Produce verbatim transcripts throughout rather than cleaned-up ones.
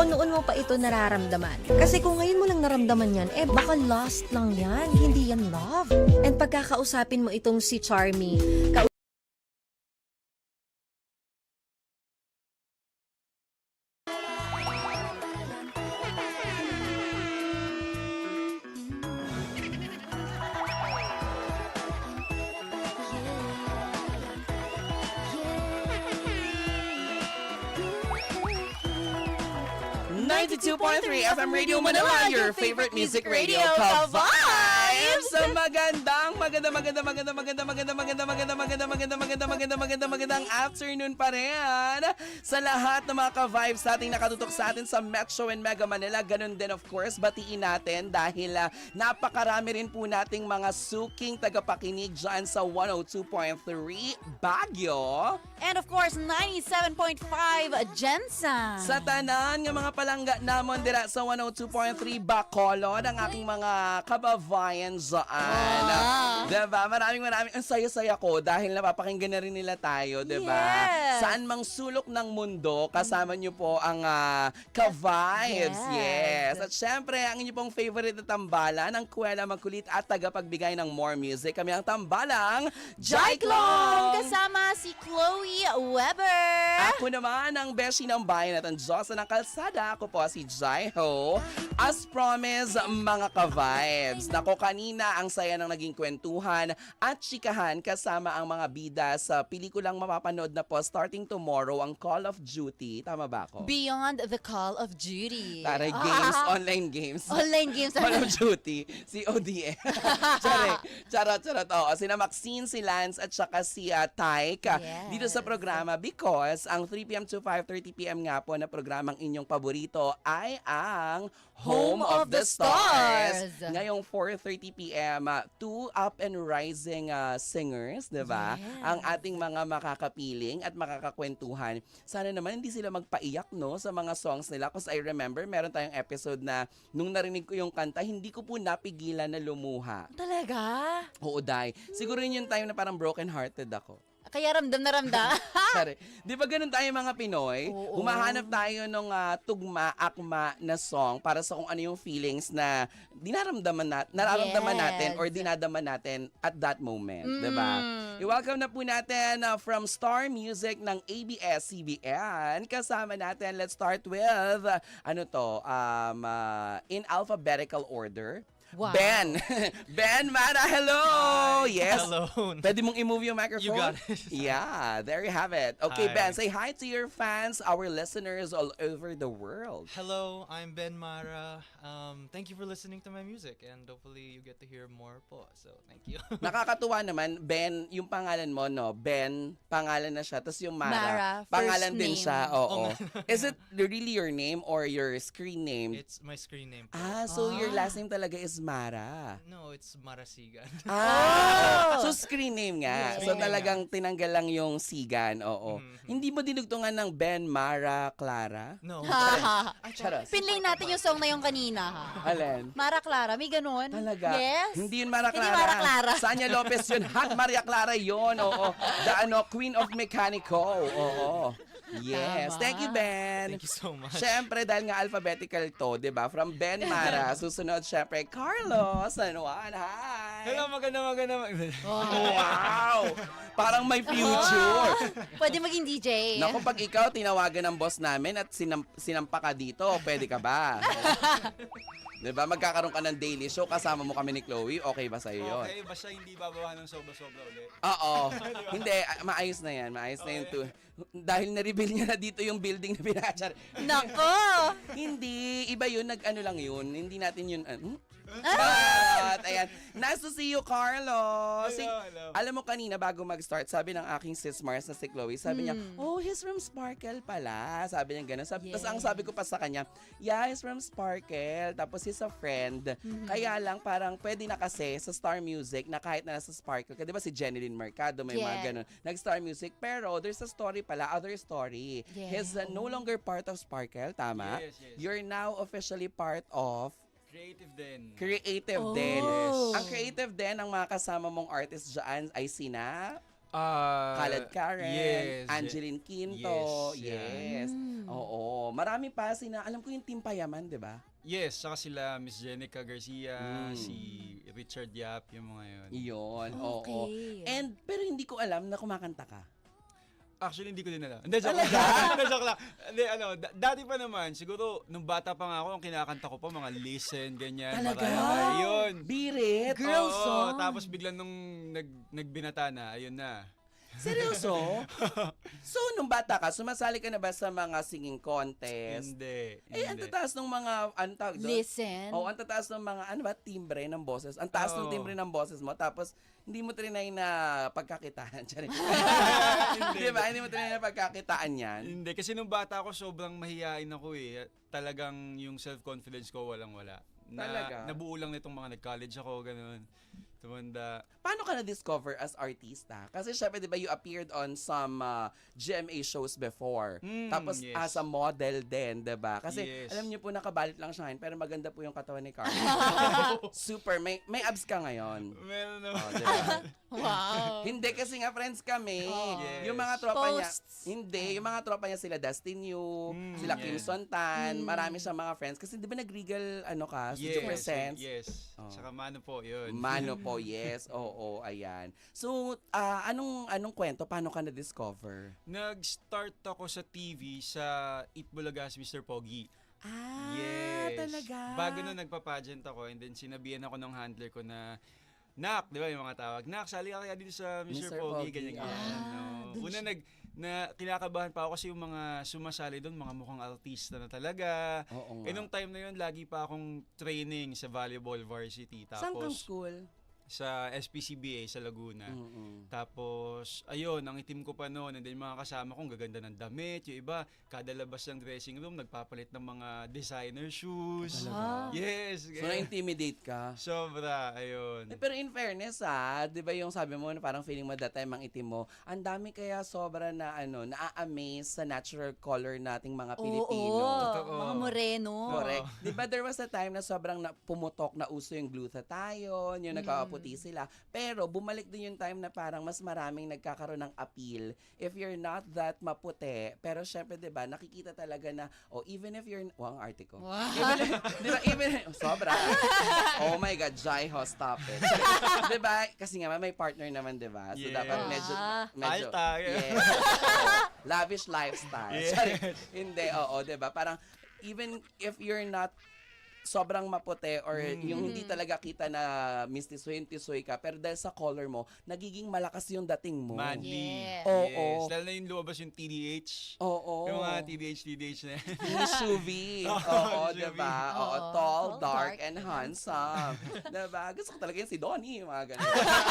o noon mo pa ito nararamdaman? Kasi kung ngayon mo lang naramdaman yan, eh baka lost lang yan, hindi yan love. And pagkakausapin mo itong si Charmy, ka- ninety-two point three F M Radio Manila, your favorite music radio, Ka-Vibes! Magandang, maganda, maganda, maganda, maganda, maganda, maganda, maganda, maganda, maganda, maganda, maganda, maganda, magandang afternoon pa rin sa lahat ng mga Ka-Vibes nating nakatutok sa atin sa Metro and Mega Manila. Ganun din, of course, batiin natin dahil uh, napakarami rin po nating mga suking tagapakinig dyan sa one oh two point three Baguio. And of course, ninety-seven point five Jensen. Sa tanan ng mga palangga namon dira sa one oh two point three Bacolod, ang aking mga kababayan dyan. Wow. Diba? Maraming maraming. Ang saya-saya ko dahil napapakinggan na rin nila tayo, diba? Yes. Saan mang sulok ng mundo, kasama nyo po ang uh, Ka-Vibes. Yes. Yes. At syempre, ang inyo pong favorite na tambalan, ang kuwela magkulit at tagapagbigay ng more music. Kami ang tambalang Jaiklong! Kasama si Chloe Weber. Ako naman ang beshi ng bayan at ang Diyosa ng kalsada. Ako po si Jaiho. As promised, mga ka-vibes. Nako, kanina ang saya ng naging kwentuhan at chikahan kasama ang mga bida sa pelikulang mapapanood na po starting tomorrow, ang Call of Duty. Tama ba ako? Beyond the Call of Duty. Taray games, online games. Online games. Call of Duty, C O D M. Charot, charot, charot. Oo, sina Maxine, si Lance, at saka si uh, Tyke Yes. dito sa programa because ang three p.m. to five thirty p.m. nga po na programang inyong paborito ay ang Home, of, the, Stars. Ngayong four thirty p.m. Uh, two up and rising uh, singers, di ba? Yes. Ang ating mga makakapiling at makakakwentuhan. Sana naman hindi sila magpaiyak, no, sa mga songs nila. Because I remember, meron tayong episode na nung narinig ko yung kanta, hindi ko po napigilan na lumuha. Talaga? Oo, Day. Siguro yun yung time na parang broken-hearted ako. Kaya ramdam na ramdam. Sorry. Di ba ganun tayo mga Pinoy? Oo. Humahanap tayo ng uh, tugma, akma na song para sa kung ano yung feelings na dinaramdaman nat nararamdaman Yes. natin or dinadama natin at that moment. Mm. Di ba? I-welcome na po natin uh, from Star Music ng A B S C B N. Kasama natin, let's start with, uh, ano to, um, uh, in alphabetical order. Wow. Ben! Ben Mara, hello! Hi. Yes. Hello. Pwede mong i-move yung microphone? You got it. Yeah, there you have it. Okay, Hi. Ben, say hi to your fans, our listeners all over the world. Hello, I'm Ben Mara. Um, thank you for listening to my music and hopefully you get to hear more po. So, thank you. Nakakatuwa naman, Ben, yung pangalan mo, no? Ben, pangalan na siya. Tapos yung Mara, Mara, first pangalan din name. siya. Oo. Oo nga. Is it really your name or your screen name? It's my screen name po. Ah, so your Ah. last name talaga is Mara. No, it's Marasigan. Ah, Oh! so screen name nga. Yes. So talagang tinanggal lang yung sigan. Oo. Mhm. Hindi mo dinugtungan ng Ben, Mara, Clara? No. Ay, charas. Pinlay natin yung song na yung kanina, ha? Alin? Mara Clara, may ganun? Talaga? Yes. Hindi yun Mara Hindi Clara. Mara Clara. Sanya Lopez yun. Hot Maria Clara yun. Oo. The ano, Queen of Mechanico. Oo. Yes. Tama. Thank you, Ben. Thank you so much. Siyempre, dahil nga alphabetical to, di ba? From Ben Mara, susunod siyempre, Carlos. Ano, hi. Hello, maganda, maganda. maganda. Wow! Parang may future. Pwede maging D J. Naku, pag ikaw tinawagan ng boss namin at sinam sinampa ka dito, pwede ka ba? Diba? Magkakaroon ka ng daily show, kasama mo kami ni Chloe, okay ba sa'yo yun? Okay, basta hindi babawa ng sobra-sobra ulit. Oo. Hindi, ah, maayos na yan. Maayos na yun. To, dahil na-reveal niya na dito yung building na pinachar. Nako! Hindi. Iba yun. Nag-ano lang yun. Hindi natin yun. Uh, hmm? Ah! But, ayan. Nice to see you, Carlos. Hello, hello. Alam mo kanina, bago mag-start, sabi ng aking sis Mars na si Chloe, sabi niya, Hmm. oh, he's from Sparkle pala. Sabi niya gano'n. Sabi, Yes. Tapos ang sabi ko pa sa kanya, yeah, he's from Sparkle. Tapos he's a friend. Mm-hmm. Kaya lang, parang pwede na kasi sa Star Music na kahit na nasa Sparkle. Di ba si Jeneline Mercado, may mga Yeah. gano'n. Nag-Star Music. Pero there's a story pala, other story. Yeah. He's uh, no longer part of Sparkle, tama? Yes, yes. You're now officially part of Creative din. Creative Oh. din. Yes. Ang creative din, ang mga kasama mong artist dyan ay sina... Uh, Khaled Karen, yes, Angeline Quinto, yes, yeah. yes. Oo, marami pa sina, alam ko yung Team Payaman, 'di ba? Yes, saka sila Miss Jenica Garcia, Mm. si Richard Yap, yung mga yun. Iyon, oo. Okay. And pero hindi ko alam na kumakanta ka. Actually, hindi ko din alam. Hindi, joke lang. Hindi, joke lang. Hindi, ano, da- dati pa naman, siguro, nung bata pa nga ako, ang kinakanta ko pa, mga Listen, ganyan. Talaga? Mariah, yun. Birit. Girl Oo, song. tapos biglang nung nag, nagbinata na, ayun na. Seryoso? So, nung bata ka, sumasali ka na ba sa mga singing contest? Hindi. Eh, ang hindi. tataas ng mga, ano tawag doon? Listen. Oo, ang tataas ng mga, ano ba, timbre ng boses. Ang taas ng Oo. timbre ng boses mo, tapos hindi mo trinay na pagkakitaan. Charing. Di ba? Hindi mo trinay na pagkakitaan yan. Hindi, kasi nung bata ako, sobrang mahihain ako eh. Talagang yung self-confidence ko walang-wala. Na, Talaga? Nabuo lang nitong mga nag-college ako, ganun. Tumanda. Paano ka na-discover as artista? Kasi syempre, di ba, you appeared on some uh, G M A shows before. Mm, Tapos yes. as a model din, di ba? Kasi Yes. alam niyo po, nakabalit lang siya ngayon, pero maganda po yung katawan ni Carlo. Super. May may abs ka ngayon. Meron Oh, naman. di ba? Wow. Hindi kasi nga friends kami. Yes. Yung mga tropa niya, Posts. hindi, yung mga tropa niya sila Dustin Yu, Mm, sila Kim yes. Sontan, marami siyang mga friends. Kasi di ba nag-regal, ano ka, Studio Yes, Presents? yes. Oh. Saka mano po, yun. Mano po, yes. Oo, ayan. So, ah, anong anong kwento? Paano ka na-discover? Nag-start ako sa T V sa Eat Bulagas, Mister Pogi. Ah, Yes. talaga? Bago na nagpa-pageant ako, and then sinabihan ako ng handler ko na, Nak, di ba yung mga tawag, Nak, sali ka kaya dito sa Mister Mister Pogi, Pogi, ganyan ah. ganyan. no. Una nag, na kinakabahan pa ako kasi yung mga sumasali doon, mga mukhang artista na talaga. Oo nga. Eh nung time na yun, lagi pa akong training sa volleyball varsity. Saan kang Tapos school? sa S P C B A sa Laguna. Mm-mm. Tapos, ayun, ang itim ko pa noon, and then mga kasama kong gaganda ng damit, yung iba, kada labas ng dressing room, nagpapalit ng mga designer shoes. Ah. Yes. So, na-intimidate ka? Sobra, ayun. Eh, pero in fairness ah, 'di ba yung sabi mo na parang feeling mo that time ang itim mo, ang dami kaya sobra na ano, naa-amaze sa natural color nating mga Pilipino. Oo, Totoo. mga moreno. Correct. 'Di ba there was a time na sobrang na, pumutok na uso yung glutathione, yung nagkakaputi sila. Pero bumalik din yung time na parang mas maraming nagkakaroon ng appeal if you're not that maputi. Pero syempre 'di ba, nakikita talaga na oh, even if you're wow, ang arte ko. Wow. Even if, 'di ba, even oh, sobra. Oh my God, Jai Ho, stop it. 'Di ba? Kasi nga may partner naman, 'di ba? So Yes. dapat medyo Ah. medyo Alta, yeah. Yes. Oo. Lavish lifestyle. Yes. Sorry. Hindi, oo, 'di ba? Parang even if you're not sobrang maputi or yung hindi talaga kita na mistisoy-tisoy ka, pero dahil sa color mo, nagiging malakas yung dating mo. Manly. Yes. Oo. Yes. Lalo na yung lumabas yung T D H. Oo. Yung mga T D H, T D H na yan. Yung Shuvi. Oo, Shuvi. diba? Oo, Oo. tall, Tall, dark, dark, and handsome. Diba? Gusto ko talaga yun si Donnie. Mga ganun.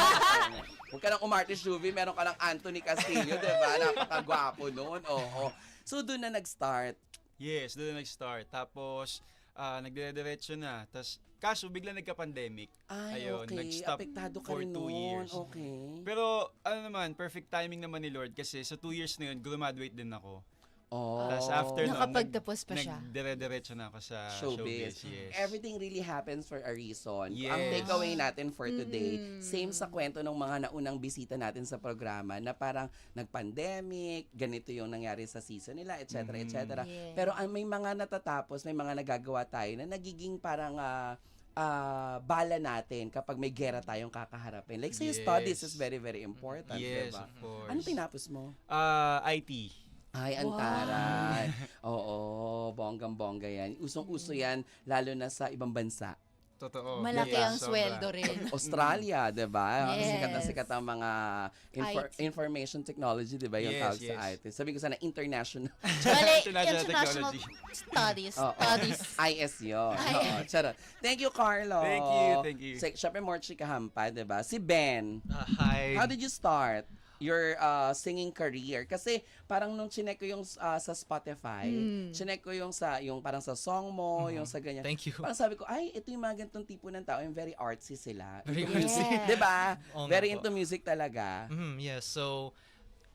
Huwag ka nang umarte Shuvi, meron ka ng Anthony Castillo, diba? Napakagwapo noon. Oo. So, doon na nag-start. Yes, doon na nag-start. Tapos, ah, nagdire-diretso na. Tapos, kaso bigla nagka-pandemic. Ay, Ayun, okay. nag-stop Apektado ka for rin two noon. years. Okay. Pero, ano naman, perfect timing naman ni Lord kasi sa two years na yun, graduate din ako. Oh. Tapos after nun, Nakapagtapos pa nag- siya. nagdire-diretso na ako sa Showbiz. showbiz. Yes. Everything really happens for a reason. Ang Yes. takeaway natin for today, same sa kwento ng mga naunang bisita natin sa programa na parang nag-pandemic, ganito yung nangyari sa season nila, et cetera, et cetera. Yeah. Pero ang may mga natatapos, may mga nagagawa tayo na nagiging parang ah, ah, bala natin kapag may gera tayong kakaharapin. Like say Yes. studies is very, very important. Yes, Diba? of course. Ano tinapos mo? Ah, I T. Ay, ang taray. Oo, bonggang-bongga yan. Usong-uso yan, lalo na sa ibang bansa. Totoo. Malaki Diba? ang Sobra. sweldo rin. Australia, 'di ba? Yes. Sikat na sikat ang mga infor- I T. information technology, 'di ba? Yung Yes, tawag yes. sa I T. Sabi ko sana international Mali, International international technology. studies. Oo. Studies. I S yun. Oo, charot. Thank you, Carlo. Thank you, thank you. Sa, syempre, more chika hampa, 'di ba? Si Ben. Ah, hi. How did you start your uh, singing career? Kasi parang nung chinek ko yung uh, sa Spotify, chinek ko yung sa yung parang sa song mo, yung sa ganyan. Thank you. Parang sabi ko, ay, ito yung mga ganitong tipo ng tao, yung very artsy sila. Very Into music, artsy. 'di ba? Oo nga Very po. into music talaga. Mhm, yes. So,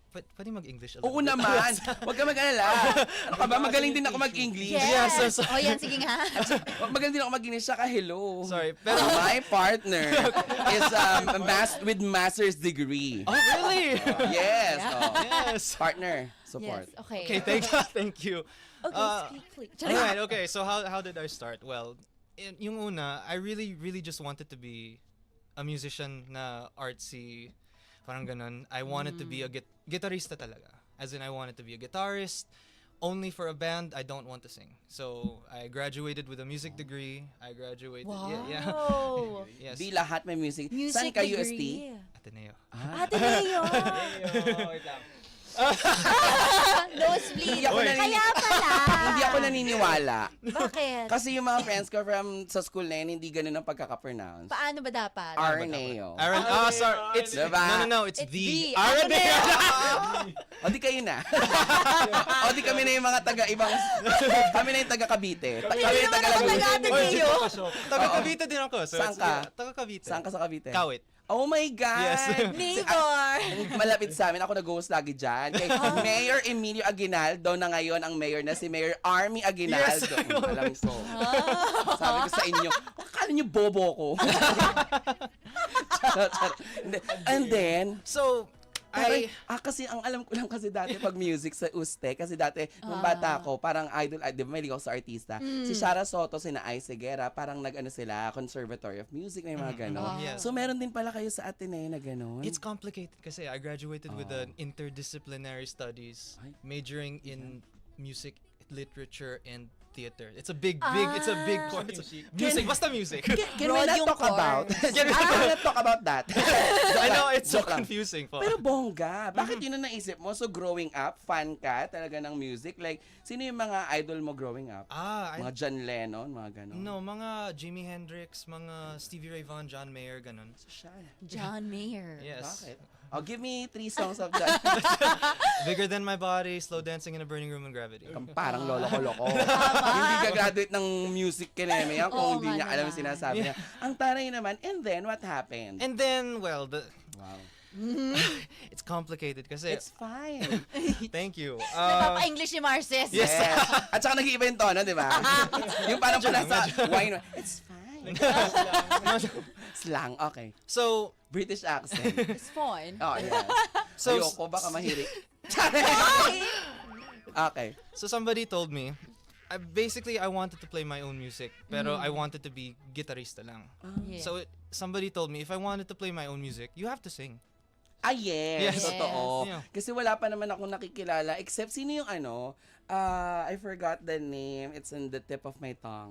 Pwede, pwede mag-English a Oo little bit? naman. Huwag ka mag-alala. Ano ka ba? Magaling din ako mag-English. Yes. so sorry. Oh, yan, sige nga. Magaling din ako mag-English. Saka hello. Sorry, pero... My partner is um, mas with master's degree. Oh, really? Yes. Oh. yes. Partner, support. Yes, okay. Okay, thank you. Thank you. Okay, Uh, speak, please. Alright, okay. So how how did I start? Well, in, yung una, I really really just wanted to be a musician na artsy, parang ganun. I wanted to be a git- guitarista talaga. As in, I wanted to be a guitarist. Only for a band, I don't want to sing. So I graduated with a music degree. I graduated. Yeah, yeah. Wow. yes. Di lahat may music. Music Saan ka, U S T? degree. Ateneo. Ate Leo. Wait lang. Nosebleed. Hindi ako Oy. nanini- Kaya pala. Hindi ako naniniwala. Bakit? Kasi yung mga friends ko from sa school na yun, hindi ganun ang pagkaka-pronounce. Paano ba dapat? Arneo. Aaron, ah, sorry. It's Diba? no, no, no. It's, It's the the Araneo. O di kayo na. O di kami na yung mga taga-ibang, kami na yung taga-Cavite. Kami na yung taga-Laguna. Taga-Ate Leo. Taga Cavite din ako. So Saan it's- ka? yeah, Taga Cavite. Saan ka sa Cavite? Kawit. Oh my God! Yes. Neighbor. Malapit sa amin. Ako nag-host lagi dyan. Kay Mayor Emilio Aguinaldo na ngayon ang mayor na si Mayor Army Aguinaldo. Yes, I know. Mm, alam ko. Sabi ko sa inyo, akala niyo bobo ko. Charot, charot. Hindi. And then, So, Pero, I ah, kasi ang alam ko lang kasi dati pag music sa U S T E, kasi dati, nung bata ko, parang idol, ah, di ba may ako sa artista, si Shara Soto, sina Ai Segura, parang nag-ano sila, Conservatory of Music, may mga gano'n. Yeah. So, meron din pala kayo sa Ateneo na gano'n? it's complicated kasi I graduated with an interdisciplinary studies, Ay. majoring in music, literature, and theater. It's a big, big, it's a big Ah. course. It's a- Music, basta music. Can we Broad not yung talk about? Can we not talk about that? I know it's so Joke lang. confusing po. Pero bongga, bakit yun ang naisip mo? So growing up, fan ka talaga ng music? Like, sino yung mga idol mo growing up? ah, I, Mga John Lennon, mga gano'n? no, mga Jimi Hendrix, mga Stevie Ray Vaughan, John Mayer, ganun. Siya. John Mayer. Yes. Bakit? Oh, give me three songs of that. Bigger Than My Body, Slow Dancing in a Burning Room, and Gravity. Parang lolo ko loko. Hindi ka graduate ng music kineme yan Oo kung hindi nga niya alam yung naman. sinasabi niya. Ang taray naman, and then what happened? And then, well, the Wow. it's complicated kasi It's fine. thank you. Uh, Nagpapa-English si Marces. Yes. At saka nag-iiba yung tono, di ba? Yung parang pala sa wine. It's fine. Slang, okay. so, British accent. It's fun. Oh, yeah. So- Ayoko, baka mahirik. Okay. so somebody told me, I, basically I wanted to play my own music, pero I wanted to be guitarista lang. Yeah. So it, somebody told me if I wanted to play my own music, you have to sing. Ah, yes. Yes. Totoo. Yeah. Kasi wala pa naman akong nakikilala except sino yung ano, uh, I forgot the name. It's on the tip of my tongue.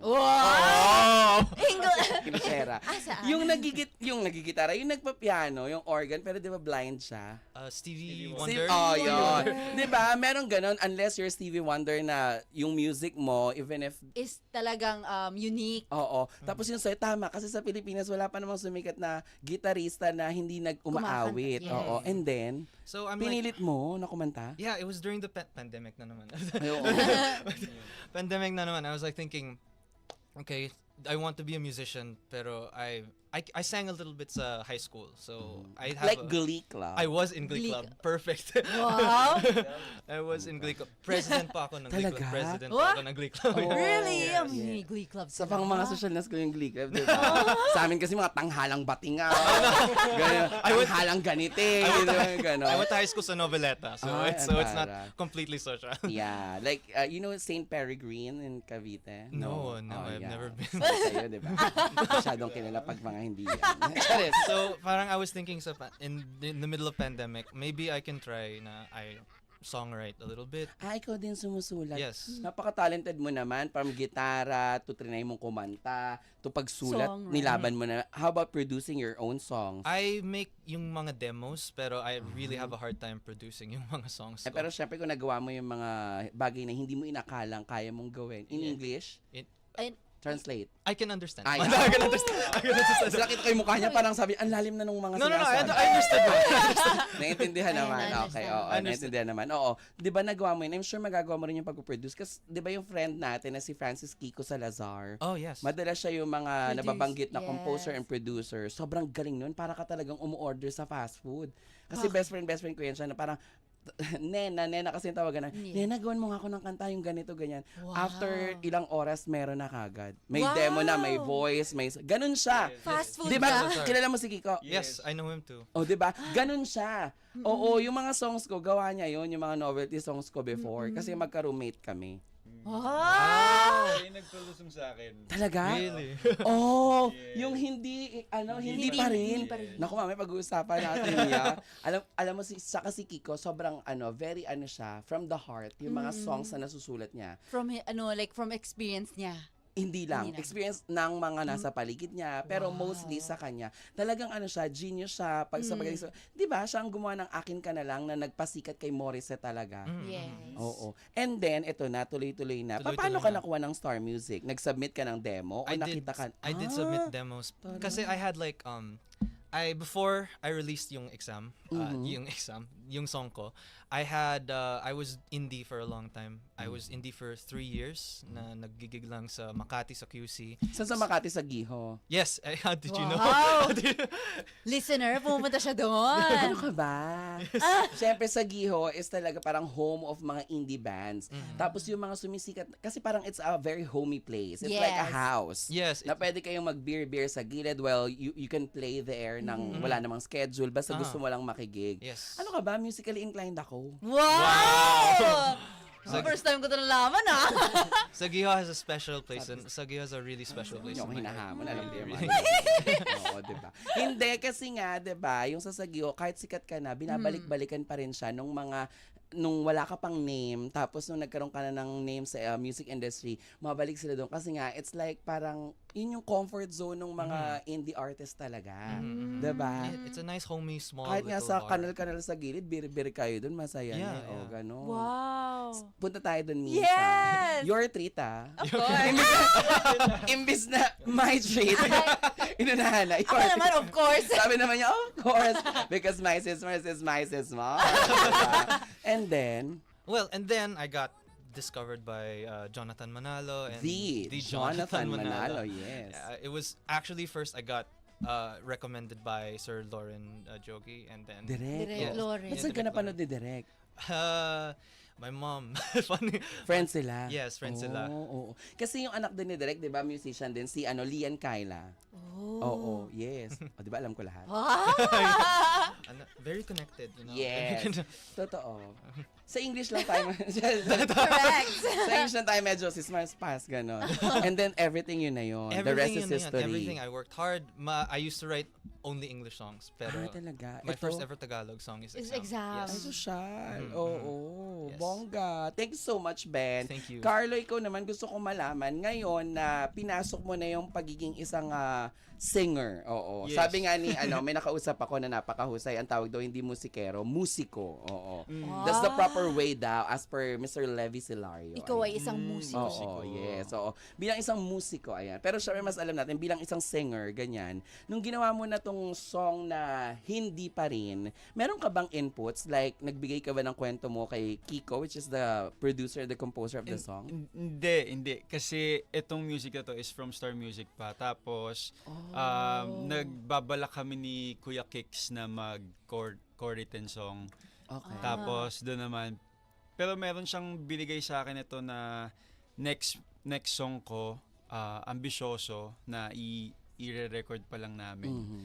Wow! Kinitera. Ah, saan? Yung nagigit, yung nagigitara, yung nagpa-piano, yung organ, pero di ba blind siya? Uh, Stevie Steve- Wonder. Oh, yun. Di ba? Meron ganun, unless you're Stevie Wonder na yung music mo, even if Is talagang um, unique. Oo. Tapos yung sa'yo, tama. Kasi sa Pilipinas, wala pa namang sumikat na gitarista na hindi nag-umaawit. Kumakanta, yes. Oo. And then, So I'm like, pinilit mo na kumanta? yeah, it was during the pa- pandemic na naman. Ay, oo. pandemic na naman. I was like thinking, okay, I want to be a musician, pero I I, I sang a little bit sa high school. So I have Like a- Glee Club. I was in Glee Glee Club. Perfect. Wow! I was in Glee Club. President pa ako ng Glee Club. Talaga? President What? pa ako ng Glee Club. Oh. Really? Yes, Um, yes. may Glee Club Sa sila. pang mga social na school yung Glee Club, di ba? Sa amin kasi mga tanghalang batinga. Ganyan. Tanghalang ganite. Gano'n. I went to high school sa Noveleta, so Ay, it's so it's not antara. completely social. Yeah. Like, uh, you know Saint Peregrine in Cavite? No, no, Oh, I've never been. So, sa'yo, di ba? Masyadong kilala pag mga hindi yan. Charis. So parang I was thinking sa pa- in in the middle of pandemic, maybe I can try na I songwrite a little bit. Ah, ikaw din sumusulat. Yes. Napaka-talented mo naman. From gitara, to trinay mong kumanta, to pagsulat, Songwriting. nilaban mo na. How about producing your own songs? I make yung mga demos, pero I really have a hard time producing yung mga songs Eh, ko. pero syempre kung nagawa mo yung mga bagay na hindi mo inakalang kaya mong gawin. In Yeah. English, It- And, translate. I can understand. Ay, I can understand. I can understand. Kasi nakita ko yung mukha niya, parang sabi, ang lalim na nung mga No, no, no. I, sinasabi. I understood. that. Naiintindihan Ayun, naman. I Okay, understand. oo. Understand. Naiintindihan naman. Oo. Di ba nagawa mo yun? I'm sure magagawa mo rin yung pag-produce. Kasi di ba yung friend natin na si Francis Kiko Salazar, Oh, yes. madalas siya yung mga Produce, nababanggit na yes. composer and producer. Sobrang galing nun. Para ka talagang umu-order sa fast food. Kasi best friend, best friend ko yan siya na parang Nena, Nena kasi yung tawagan na, Yeah. Nena, gawin mo nga ako ng kanta, yung ganito, ganyan. Wow. After ilang oras, meron na kagad. May Wow. demo na, may voice, may... Ganun siya. Fast food Di ba? ka. Kilala mo si Kiko? Yes, I know him too. O, di ba? Ganun siya. Oo, yung mga songs ko, gawa niya yun, yung mga novelty songs ko before. Kasi magka-roommate kami. Wow! Siya yung nagpalusong sa akin. Talaga? Really? Oh, Yes. yung hindi, ano, hindi, Hindi pa pa rin. rin. Naku, mami, pag-uusapan natin niya. alam, alam mo, si, saka si Kiko, sobrang, ano, very, ano siya, from the heart, yung mga songs na nasusulat niya. From, hi- ano, like, from experience niya. Hindi lang. Hindi lang. Experience ng mga nasa paligid niya. Pero mostly sa kanya. Talagang ano siya, genius siya. Pag sa pag di ba, siya ang gumawa ng Akin Ka Na Lang na nagpasikat kay Morissette talaga. Yes. Oo. And then, ito na, tuloy-tuloy na. Pa- Tuloy-tuloy Paano ka na. nakuha ng Star Music? Nag-submit ka ng demo? O I did, nakita ka? I did Ah, submit demos. Kasi I had like, um, I, before I released yung exam, uh, Mhm. yung exam, yung song ko, I had, uh, I was indie for a long time. I was indie for three years na naggigig lang sa Makati sa Q C. Saan sa Makati sa Giho? Yes, eh, how did you know? Wow! Listener, pumunta siya Ano doon. ka ba? Siyempre sa Giho is talaga parang home of mga indie bands. Tapos yung mga sumisikat, kasi parang it's a very homey place. It's like a Yes. house. Yes, Na pwede kayong mag-beer-beer sa gilid. Well, you, you can play there nang wala namang schedule. Basta Ah. gusto mo lang makigig. yes. Ano ka ba? Musically inclined ako. Wow! So, first time ko ito nalaman, ah. Sagiho has a special place and Sagiho has a really special place. Hindi ako in my heart. hinahamon. Alam ko yung mga Really. Oo, diba? Hindi, kasi nga, diba, yung sa Sagio, kahit sikat ka na, binabalik-balikan pa rin siya nung mga nung wala ka pang name, tapos nung nagkaroon ka na ng name sa uh, music industry, mabalik sila doon. Kasi nga, it's like parang, yun yung comfort zone ng mga indie artists talaga. Mhm. Diba? It- It's a nice homey small Kahit nga little sa bar. kanal-kanal sa gilid, bir-bir kayo doon, masaya Yeah, na. O, yeah. gano'n. Wow. Punta tayo doon, Misa. Yes! Your treat, ah. Of course. Imbis na my treat, inunahan na. Ako Your naman, of course. Sabi naman niya, of course, because my sister is my sister. And then, Well, and then I got discovered by uh, Jonathan Manalo and the, Jonathan Manalo, yes. Uh, it was actually first I got uh, recommended by Sir Lauren uh, Jogi, and then Direct. Direct Yes. Lauren. Ba't saan ka napanood ni Direct? uh, my mom. Funny. Friends sila? Yes, friends Oo, sila. oo. Kasi yung anak din ni Direct, di ba, musician din, si ano, Lian Kyla. Oh. Oo, yes. O, di ba, alam ko lahat. Wow! Ano, very connected, you know. Yes. Very con- Totoo. Sa English lang tayo, Correct. sa English lang tayo medyo si Smart Pass, gano'n. And then everything yun na yun. The rest is Everything yun na yun, history. Everything. I worked hard. Ma, I used to write only English songs, pero Ah, talaga. my Ito? first ever Tagalog song is Is Exam. Exam. Ay, Yes. sosyal. Mhm. Oo. Yes. Bongga. Thank you so much, Ben. Thank you. Carlo, ikaw naman gusto kong malaman ngayon na pinasok mo na yung pagiging isang ah, singer. Oo. Yes. Sabi nga ni ano, may nakausap ako na napakahusay. Ang tawag daw hindi musikero, musiko. Oo. That's the proper way daw as per Mister Levi Silario. Ikaw ay Ayan. isang Mm, musiko. Oo, Musiko. yes. Oo. Bilang isang musiko, ayan. Pero syempre mas alam natin, bilang isang singer, ganyan, nung ginawa mo na tong song na hindi pa rin, meron ka bang inputs? Like, nagbigay ka ba ng kwento mo kay Kiko, which is the producer, the composer of the song? Hin- Hindi, hindi. Kasi itong music na to is from Star Music pa. Tapos, um, nagbabalak kami ni Kuya Kicks na mag-co-written song. Okay. Tapos, doon naman, pero meron siyang binigay sa akin ito na next next song ko, ah, ambisyoso, na i- i-re-record pa lang namin. Mhm.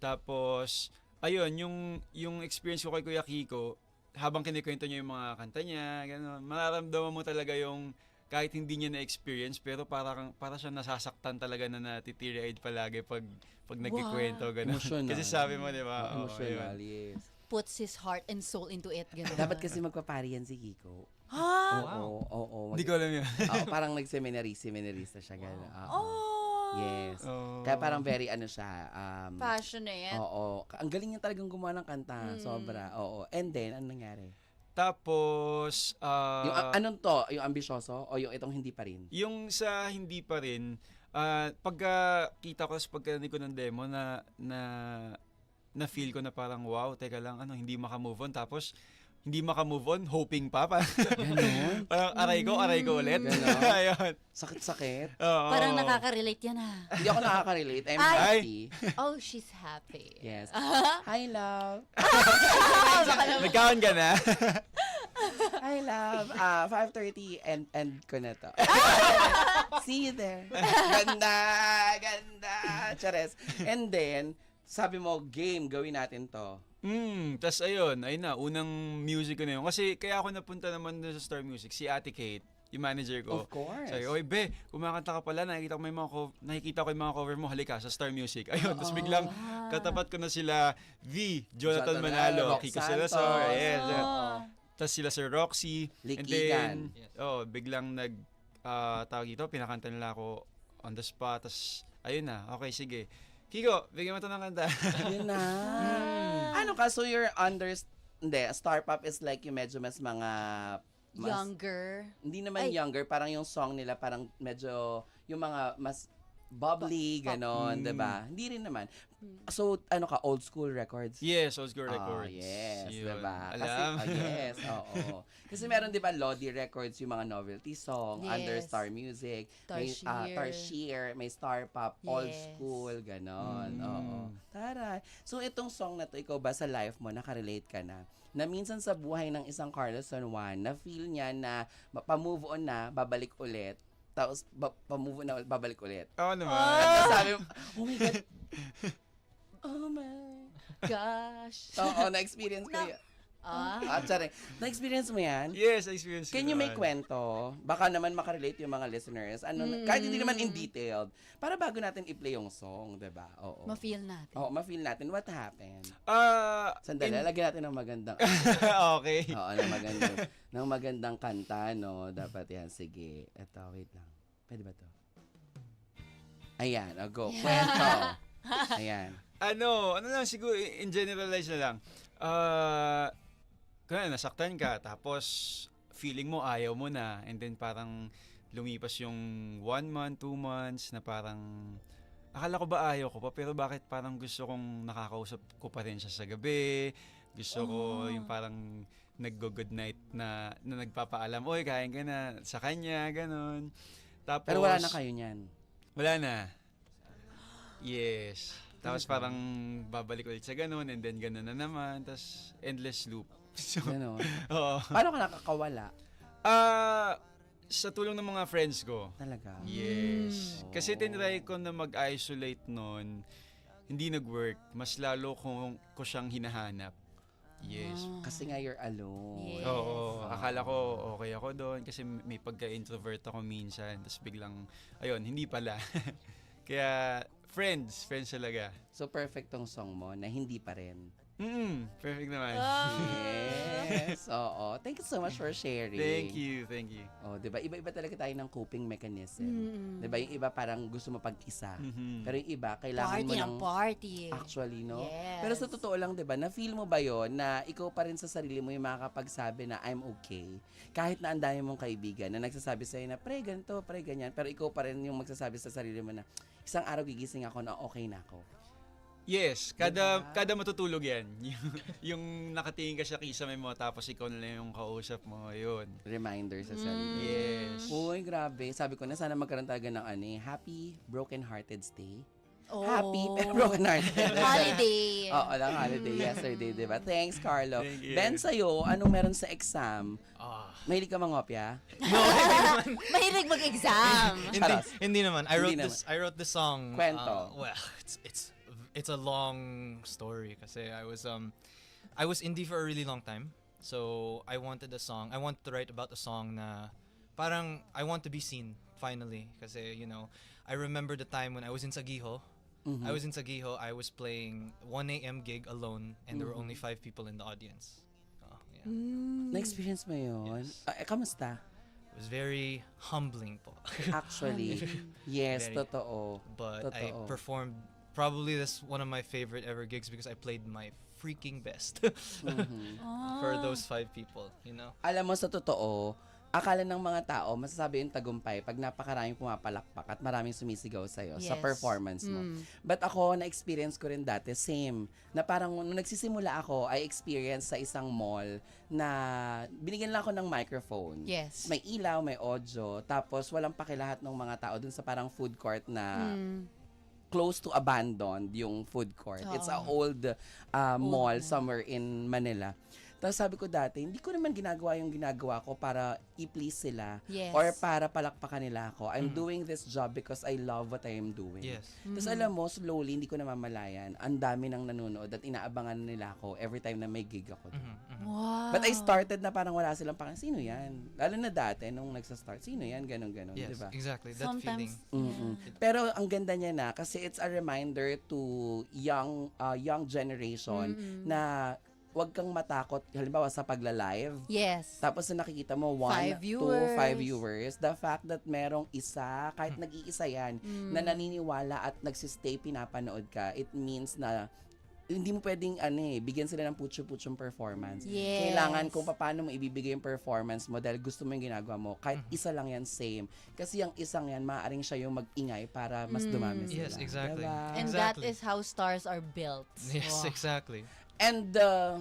Tapos, ayun, yung, yung experience ko kay Kuya Kiko, habang kinikwento niya yung mga kanta niya, gano'n, mararamdaman mo talaga yung kahit hindi niya na-experience, pero parang, para siya nasasaktan talaga na natitiri-eyed palagi pag, pag nagkikwento, gano'n. Emotional. Kasi sabi mo, di ba? oo, Emotional, ayun. yes. Puts his heart and soul into it. Ganun. Dapat kasi magpapari yan si Kiko. Ha? Oo, oo, oo. Hindi ko alam yun. Oo, parang nag-seminary, seminarista siya, gano'n. Oo. Oh. Yes. Oo. Kaya parang very ano siya, um, Passionate. oo. Ang galing niya talagang gumawa ng kanta, sobra. Oo. And then, ano nangyari? Tapos, ah, Yung a- anong to? Yung ambisyoso o yung itong hindi pa rin? yung sa hindi pa rin, ah, pagka kita ko sa pagkarinig ko ng demo na na na feel ko na parang wow, teka lang, ano, hindi maka-move on. Tapos hindi maka-move on, hoping pa. Parang, Ganon. parang aray ko, aray ko ulit. Ganon. Ayun. Sakit-sakit. Oo. Parang nakaka-relate yan ah. Hindi ako nakaka-relate. I'm Ay. happy. Oh, she's happy. Yes. Hi, love. Nagkaon ka na? Hi, love. Ah, five thirty and end ko na to. See you there. Ganda, ganda. Chares. And then, sabi mo, game, gawin natin to. Hmm, tas ayun, ayun na, unang music ko na yun. Kasi kaya ako napunta naman dun sa Star Music, si Ate Kate, yung manager ko. Of course. Sabi, oy be, kumakanta ka pala, nakikita ko may mga co- nakikita ko yung mga cover mo, halika sa Star Music. Ayun, tapos biglang katapat ko na sila V, Jonathan Jonathan Manalo, Manalo, Kiko Rock Salazar, Santos. yes. Oo. Tapos sila Sir Roxy. Likigan. And then, oh, biglang nag, ah, tawag dito, pinakanta nila ako on the spot. Tapos, ayun na, okay, sige. Kiko, bigyan mo ito ng kanta. Yun na. Ano ka? So you're under... Hindi, Star Pop is like yung medyo mas mga... Mas, Younger. Hindi naman Ay. younger. Parang yung song nila parang medyo... Yung mga mas bubbly, ganon, Mm. diba? Hindi rin naman. So, ano ka? Old school records? Yes, Old School Ah, Records. yes, Yun. diba? Kasi, Alam. oh, yes, oo. Kasi meron, diba, Lodi Records, yung mga novelty song, Yes. under Star Music, may ah, Tarsier. Tarsier, may Star Pop, Old Yes. School, ganon. Mm. Oo. Taray. So, itong song na to, ikaw ba sa life mo, nakarelate ka na? Na minsan sa buhay ng isang Carlos San Juan, na feel niya na pa-move on na, babalik ulit, tapos ba- pa-move on na, babalik ulit. Oo naman. At sabi mo, oh my God. Oh my. Gosh. Oo, na-experience ko Na- yun. Ah. Ah, tsari. Na-experience mo yan? Yes, experience ko Can you make naman. kwento? Baka naman makarelate yung mga listeners. Ano, kahit hindi naman in detailed. Para bago natin i-play yung song, di ba? Oo. Ma-feel natin. Oo, ma-feel natin what happened. Ah, Sandali, in- lagyan natin ng magandang, okay. oo, ng magandang, ng magandang kanta, no? Dapat yan. Sige. Eto, wait lang. Pwede ba to? Ayan, oh, go. Kwento. Ayan. Ano, ano lang siguro in generalize na lang. Ah, kaya nasaktan ka tapos feeling mo ayaw mo na and then parang lumipas yung one month, two months na parang akala ko ba ayaw ko pa pero bakit parang gusto kong nakakausap ko pa rin siya sa gabi. Gusto ko yung parang naggo-good night na, na nagpapaalam, oy, kain ka na sa kanya, ganun. Tapos, Pero wala na kayo niyan. wala na. Yes. Tapos parang babalik ulit sa ganun and then ganun na naman. Tapos endless loop. So, Ganon. oo. Paano ka nakakawala? Ah, sa tulong ng mga friends ko. Talaga? Yes. Mm. Kasi tinry ko na mag-isolate noon, hindi nag-work. Mas lalo kong ko siyang hinahanap. Yes. Kasi nga you're alone. Yes. Oo, akala ko okay ako doon kasi may pagka-introvert ako minsan. Tapos biglang, ayun, hindi pala. Kaya, friends, friends talaga. So, perfect tong song mo na hindi pa rin. Mm, perfect naman. Yes. Oo. Thank you so much for sharing. Thank you, thank you. Oh, 'di ba? Iba-iba talaga tayo ng coping mechanism. Mm. 'Di ba? Yung iba parang gusto mo pag-isa. Mhm. Pero yung iba kailangan Party mo ng ng party. actually, no? Yes. Pero sa totoo lang, 'di ba? Na feel mo ba 'yon na ikaw pa rin sa sarili mo yung makakapagsabi na I'm okay. Kahit na ang dami mong kaibigan na nagsasabi sa'yo na pre ganito, pre ganyan, pero ikaw pa rin yung magsasabi sa sarili mo na isang araw gigising ako na okay na ako. Yes, kada Diba? kada matutulog yan. yung, yung nakatingin ka sa kisame mo tapos ikaw na lang yung kausap mo, yun. Reminder sa Mm. sarili. Yes. Uy, grabe. Sabi ko na sana magkaroon tayo ng ano eh, happy broken-hearted stay. Oh. Happy pero broken-hearted. Holiday. Oo, lang holiday yesterday, di ba? Thanks, Carlo. Thank you. Ben, sa'yo, anong meron sa exam? Ah. Mahilig ka mangopya? Mahilig mag-exam. hindi, Charos. hindi naman. I wrote Hindi this. I wrote this song. Kwento. uh, well, it's it's it's a long story kasi I was um I was indie for a really long time. So I wanted a song. I wanted to write about a song na parang I want to be seen finally kasi you know I remember the time when I was in Sagiho. Mm-hmm. I was in Sagiho. I was playing one a.m. gig alone and there were only five people in the audience. Oh, yeah. Na-experience mo yun? Yes. Ah, eh, kamusta? It was very humbling po. Actually, yes, Very. totoo. But I Totoo. performed probably this one of my favorite ever gigs because I played my freaking best Mhm. for those five people, you know. Alam mo, sa totoo, akala ng mga tao, masasabi yung tagumpay pag napakaraming pumapalakpak at maraming sumisigaw sa'yo sa Yes. performance mo. Mm. But ako, na-experience ko rin dati, same. Na parang nung nagsisimula ako, I experience sa isang mall na binigyan lang ako ng microphone. Yes. May ilaw, may audio, tapos walang pakilahat ng mga tao dun sa parang food court na Mm. close to abandoned yung food court. It's a Oo. old uh, mall somewhere in Manila. Tapos sabi ko dati, hindi ko naman ginagawa yung ginagawa ko para i-please sila Yes. or para palakpakan nila ako. I'm doing this job because I love what I am doing. Yes. Tapos alam mo, slowly, hindi ko namamalayan. Ang dami nang nanonood at inaabangan nila ako every time na may gig ako. doon. Mhm, mhm. Wow. But I started na parang wala silang parang, sino yan? Lalo na dati, nung nagsa-start, sino yan? Ganon, ganon, Yes, di ba? exactly. That Sometimes, feeling. Mm-mm. Pero ang ganda niya na kasi it's a reminder to young uh, young generation na wag kang matakot halimbawa sa pagla-live. yes. Tapos na nakikita mo one, Five two, viewers. five viewers. The fact that merong isa, kahit nag-iisa yan, na naniniwala at nagsistay pinapanood ka, it means na hindi mo pwedeng ano eh, bigyan sila ng putyo-putyong performance. Yes. Kailangan kung paano mo ibibigay yung performance mo dahil gusto mo yung ginagawa mo. Kahit isa lang yan, same. Kasi yung isang yan, maaaring siya yung mag-ingay para mas dumami sila. Yes, exactly. Diba? And that Exactly. is how stars are built. Yes, Wow. exactly. And, uh,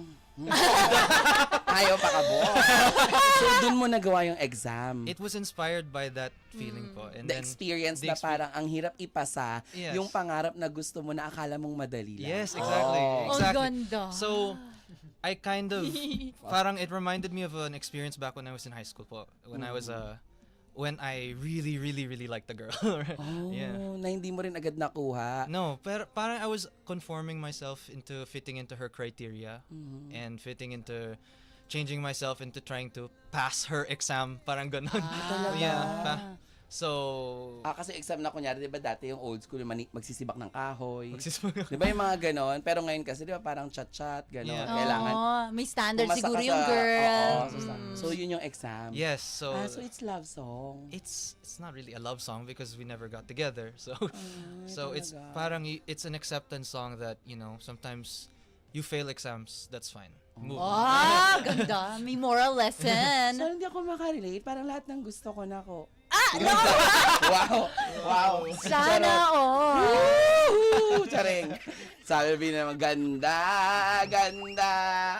ayaw pa ka bo. So, dun mo nagawa yung exam. It was inspired by that feeling po. And the then experience the na parang ang hirap ipasa Yes. yung pangarap na gusto mo na akala mong madali lang. Yes, exactly. Oh. Ang Exactly. ganda. So, I kind of, parang it reminded me of an experience back when I was in high school po. When I was, uh, when I really, really, really liked a girl. Oh, Yeah. na hindi mo rin agad nakuha. No, pero parang I was conforming myself into fitting into her criteria Mm-hmm. and fitting into changing myself into trying to pass her exam. Parang ganun. Talaga? Yeah. Pa- so, Ah, kasi exam na kunyari, di ba dati yung old school, mani- magsisibak ng kahoy. magsisimula. Di ba yung mga ganon? Pero ngayon kasi, di ba parang chat-chat, ganon. Yeah. Kailangan Oo, may standard pumasa siguro ka yung sa- girl. Oo, so, sa- so, yun yung exam. Yes, so, Ah, so it's love song. it's it's not really a love song because we never got together. So so it's talaga. parang y- it's an acceptance song that, you know, sometimes you fail exams, that's fine. Move. on. Ah, ganda. May moral So, lesson. hindi ako makarelate. Parang lahat ng gusto ko na ko. Ah, no! Wow! Wow! Sana all. Woohoo! Charing! Sabi na maganda, ganda.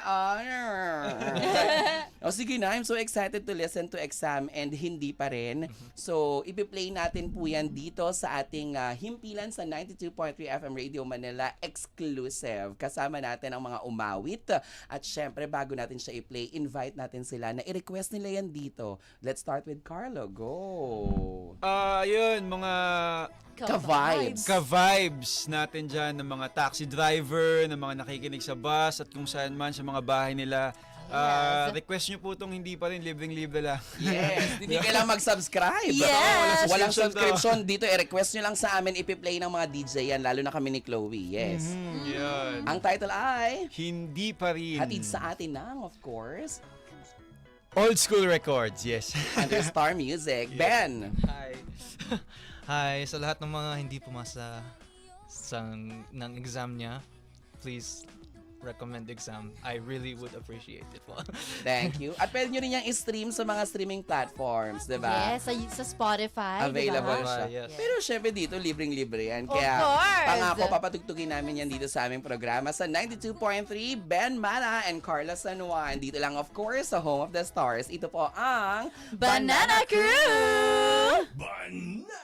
Oh, sige na, I'm so excited to listen to Exam and hindi pa rin. So, ipi-play natin po yan dito sa ating ah, himpilan sa ninety-two point three F M Radio Manila exclusive. Kasama natin ang mga umawit. At syempre, bago natin siya i-play, invite natin sila na i-request nila yan dito. Let's start with Carlo. Go! Ah, yun, mga Ka-vibes. ka-vibes natin dyan ng mga taxi driver, ng mga nakikinig sa bus at kung saan man sa mga bahay nila. Ah, Yes. request nyo po itong hindi pa rin, libreng-libre lang. Yes, hindi kailangan mag-subscribe. Yes. Walang Subscription subscription dito. I-request nyo lang sa amin, ipi-play ng mga D J yan, lalo na kami ni Chloe. Yes. Hmm, yun. Ang title ay Hindi pa rin. hatid sa atin ng, of course, Old School Records, yes. under Star Music. Ben! Hi. Hi sa lahat ng mga hindi pumasa sa ng exam niya. Please recommend exam. I really would appreciate it po. Thank you. At pwede nyo rin yung i-stream sa mga streaming platforms, di ba? Yes, sa, sa Spotify. Available diba? siya. Yes. Pero syempre dito, libreng-libre yan. Of Kaya course. pangako, papatugtugin namin yan dito sa aming programa sa ninety-two point three, Ben Mara and Carla San Juan. Dito lang, of course, sa Home of the Stars. Ito po ang Banana Crew! Banana